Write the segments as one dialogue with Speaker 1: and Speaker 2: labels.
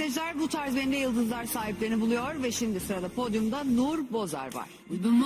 Speaker 1: Seyirciler, bu tarz Benim de Yıldızlar sahiplerini buluyor ve şimdi sırada podyumda Nur Bozar var.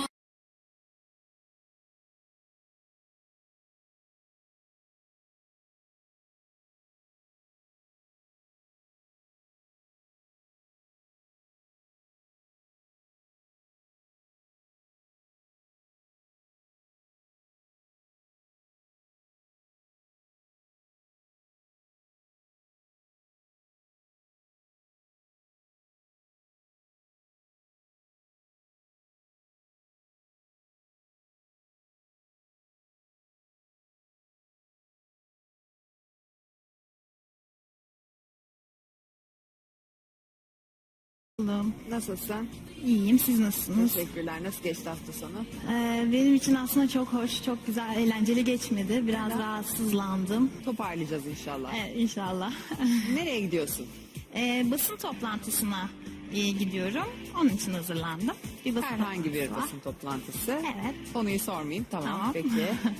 Speaker 1: Nasılsın?
Speaker 2: İyiyim, siz nasılsınız?
Speaker 1: Teşekkürler. Nasıl geçti hafta sonu?
Speaker 2: Benim için aslında çok hoş, çok güzel, eğlenceli geçmedi. Biraz rahatsızlandım.
Speaker 1: Toparlayacağız inşallah.
Speaker 2: Evet, inşallah.
Speaker 1: Nereye gidiyorsun?
Speaker 2: Basın toplantısına gidiyorum. Onun için hazırlandım. Bir basın
Speaker 1: Herhangi bir
Speaker 2: toplantısı var.
Speaker 1: basın toplantısı.
Speaker 2: Evet.
Speaker 1: Konuyu sormayayım. Tamam. Peki.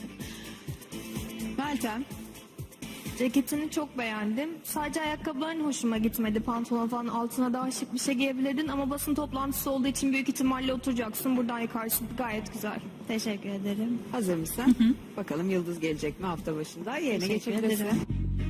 Speaker 1: Meltem.
Speaker 3: Ceketini çok beğendim. Sadece ayakkabıların hoşuma gitmedi. Pantolon falan altına daha şık bir şey giyebilirdin ama basın toplantısı olduğu için büyük ihtimalle oturacaksın. Buradan yıkarsın. Gayet güzel.
Speaker 2: Teşekkür ederim.
Speaker 1: Hazır mısın? Bakalım Yıldız gelecek mi hafta başında? Yerine
Speaker 2: Teşekkür
Speaker 1: geçebilirsin.
Speaker 2: ederim.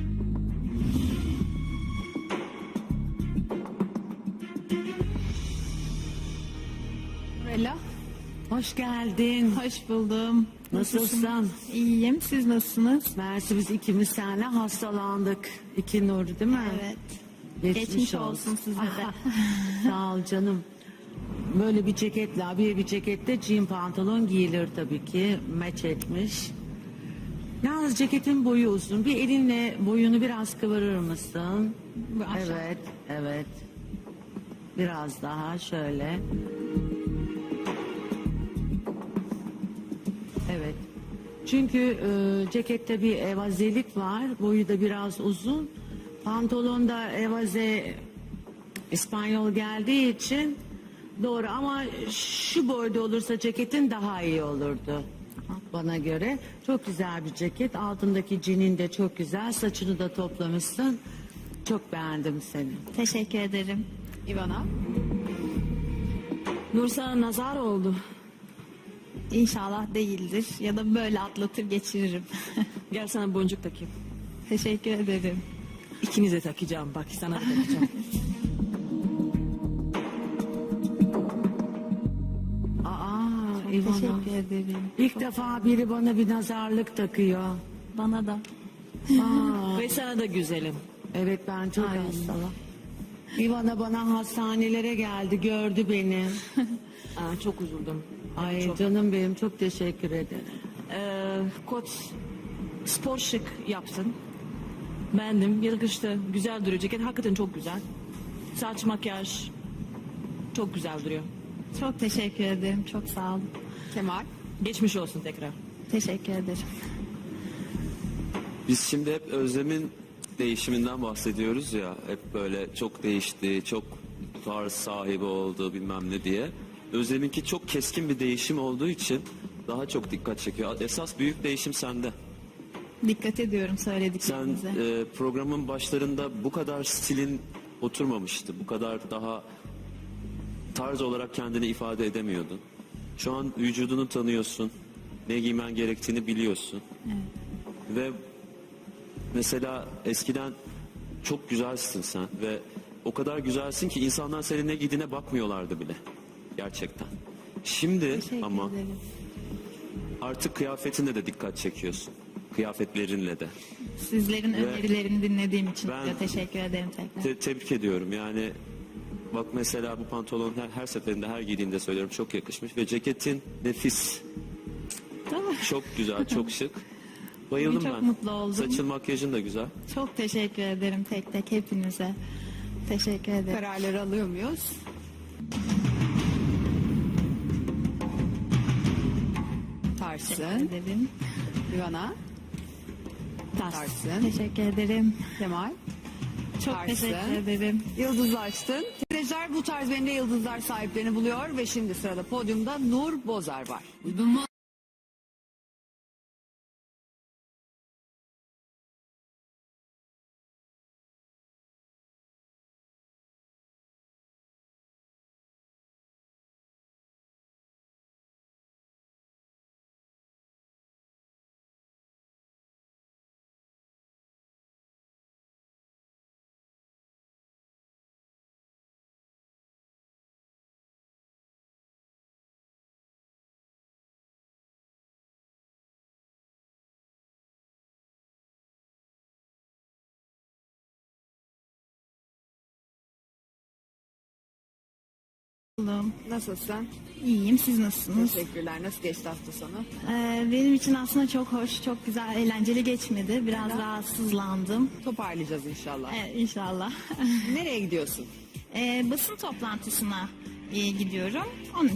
Speaker 3: Bella.
Speaker 4: Hoş geldin.
Speaker 2: Hoş buldum.
Speaker 4: Nasılsın?
Speaker 2: İyiyim, siz nasılsınız?
Speaker 4: Mersi, biz ikimiz seninle hastalandık. İki Nur değil mi?
Speaker 2: Evet.
Speaker 4: Geçmiş,
Speaker 2: Geçmiş olsun size de.
Speaker 4: Sağ ol canım. Böyle bir ceketle, abiye bir cekette jean pantolon giyilir tabii ki. Match etmiş. Yalnız ceketin boyu uzun. Bir elinle boyunu biraz kıvırır mısın?
Speaker 2: Bu aşağı.
Speaker 4: Evet, evet. Biraz daha şöyle. Evet. Çünkü cekette bir evazelik var. Boyu da biraz uzun. Pantolonda evaze İspanyol geldiği için doğru, ama şu boyda olursa ceketin daha iyi olurdu bana göre. Çok güzel bir ceket. Altındaki cinin de çok güzel. Saçını da toplamışsın. Çok beğendim seni.
Speaker 2: Teşekkür ederim.
Speaker 1: İvana.
Speaker 3: Nur sana nazar oldu.
Speaker 2: İnşallah değildir ya da böyle atlatır geçiririm.
Speaker 3: Gel sana boncuk takayım.
Speaker 2: Teşekkür ederim.
Speaker 3: İkinize takacağım. Bak sana da takacağım.
Speaker 4: Aa, İvana.
Speaker 2: Teşekkür ederim.
Speaker 4: İlk defa biri bana bir nazarlık takıyor.
Speaker 2: Bana da.
Speaker 4: Aa,
Speaker 3: Ve sana da güzelim.
Speaker 4: evet, ben çok
Speaker 2: Ay.
Speaker 4: hastayım. İvana bana hastanelere geldi, gördü beni.
Speaker 3: Çok üzüldüm.
Speaker 4: Ay
Speaker 3: Çok.
Speaker 4: canım benim, çok teşekkür ederim.
Speaker 3: Kot spor şık yaptın. Beğendim. Yakıştı. Güzel duruyor. Ceket hakikaten çok güzel. Saç, makyaj çok güzel duruyor.
Speaker 2: Çok teşekkür ederim. Çok sağ olun.
Speaker 1: Kemal.
Speaker 3: Geçmiş olsun tekrar.
Speaker 2: Teşekkür ederim.
Speaker 5: Biz şimdi hep Özlem'in değişiminden bahsediyoruz ya. Hep böyle çok değişti, çok tarz sahibi oldu bilmem ne diye. Özlem'inki çok keskin bir değişim olduğu için daha çok dikkat çekiyor. Esas büyük değişim sende.
Speaker 2: Dikkat ediyorum
Speaker 5: Sen
Speaker 2: söylediklerinize.
Speaker 5: programın başlarında bu kadar stilin oturmamıştı. Bu kadar daha tarz olarak kendini ifade edemiyordun. Şu an vücudunu tanıyorsun. Ne giymen gerektiğini biliyorsun. Ve mesela eskiden çok güzelsin sen ve o kadar güzelsin ki insanlar senin ne giydiğine bakmıyorlardı bile. Gerçekten. Şimdi
Speaker 2: Teşekkür
Speaker 5: ama
Speaker 2: ederim.
Speaker 5: artık kıyafetinle de dikkat çekiyorsun. Kıyafetlerinle de.
Speaker 2: Sizlerin
Speaker 5: Ve
Speaker 2: önerilerini dinlediğim için
Speaker 5: ben-
Speaker 2: de teşekkür ederim tekrar.
Speaker 5: Tebrik ediyorum. Yani bak mesela bu pantolon her seferinde, her giydiğinde söylüyorum, çok yakışmış ve ceketin nefis.
Speaker 2: Tamam.
Speaker 5: Çok güzel, çok şık. Bayıldım
Speaker 2: Çok
Speaker 5: ben.
Speaker 2: mutlu oldum.
Speaker 5: Saçın, makyajın da güzel.
Speaker 2: Çok teşekkür ederim tek tek hepinize. Teşekkür ederim.
Speaker 1: Kararları alıyor muyuz?
Speaker 2: Teşekkür
Speaker 1: Tarsın.
Speaker 2: ederim.
Speaker 1: İvana. Tarsın.
Speaker 2: Teşekkür ederim.
Speaker 1: Kemal.
Speaker 2: Çok
Speaker 1: Tarsın.
Speaker 2: teşekkür ederim.
Speaker 1: Yıldızlaştın. Seyirciler, bu tarz Benim de Yıldızlar sahiplerini buluyor ve şimdi sırada podyumda Nur Bozar var.
Speaker 2: buldum.
Speaker 1: Nasılsın?
Speaker 2: İyiyim, siz nasılsınız?
Speaker 1: Teşekkürler. Nasıl geçti hafta sonu?
Speaker 2: Benim için aslında çok hoş, çok güzel, eğlenceli geçmedi. Biraz rahatsızlandım.
Speaker 1: Toparlayacağız inşallah.
Speaker 2: Evet, inşallah.
Speaker 1: Nereye gidiyorsun?
Speaker 2: Basın toplantısına gidiyorum. Onun